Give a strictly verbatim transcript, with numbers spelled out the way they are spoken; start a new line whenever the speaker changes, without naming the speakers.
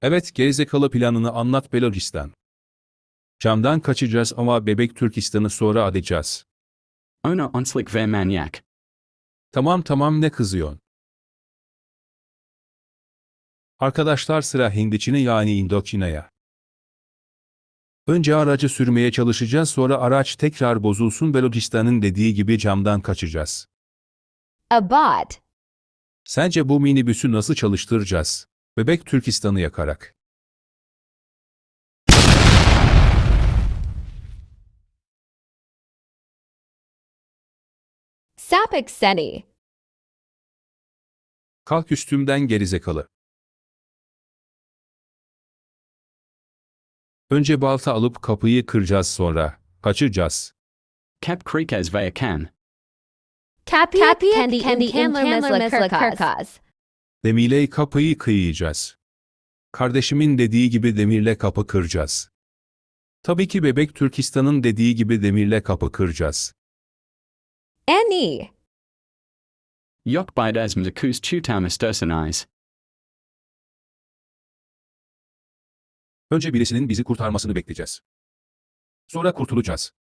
Evet, gerizekalı planını anlat Belocistan. Camdan kaçacağız ama bebek Türkistan'ı sonra alacağız.
Ona onslik ver manyak.
Tamam tamam, ne kızıyorsun? Arkadaşlar, sıra Hindiçin'e yani Indoçina'ya. Önce aracı sürmeye çalışacağız, sonra araç tekrar bozulsun, Belocistan'ın dediği gibi camdan kaçacağız.
Abad.
Sence bu minibüsü nasıl çalıştıracağız? Bebek Türkistan'ı yakarak.
Sapik seni.
Kalk üstümden gerizekalı. Önce balta alıp kapıyı kıracağız, sonra kaçacağız.
Cap krikaz via can.
Kapiak kendi kendi imkanlarımızla kırkaz.
Demirle kapıyı kıyacağız. Kardeşimin dediği gibi demirle kapı kıracağız. Tabii ki bebek Türkistan'ın dediği gibi demirle kapı kıracağız.
Any.
Yok bidas mzakus tutamas dersanais.
Önce birisinin bizi kurtarmasını bekleyeceğiz. Sonra kurtulacağız.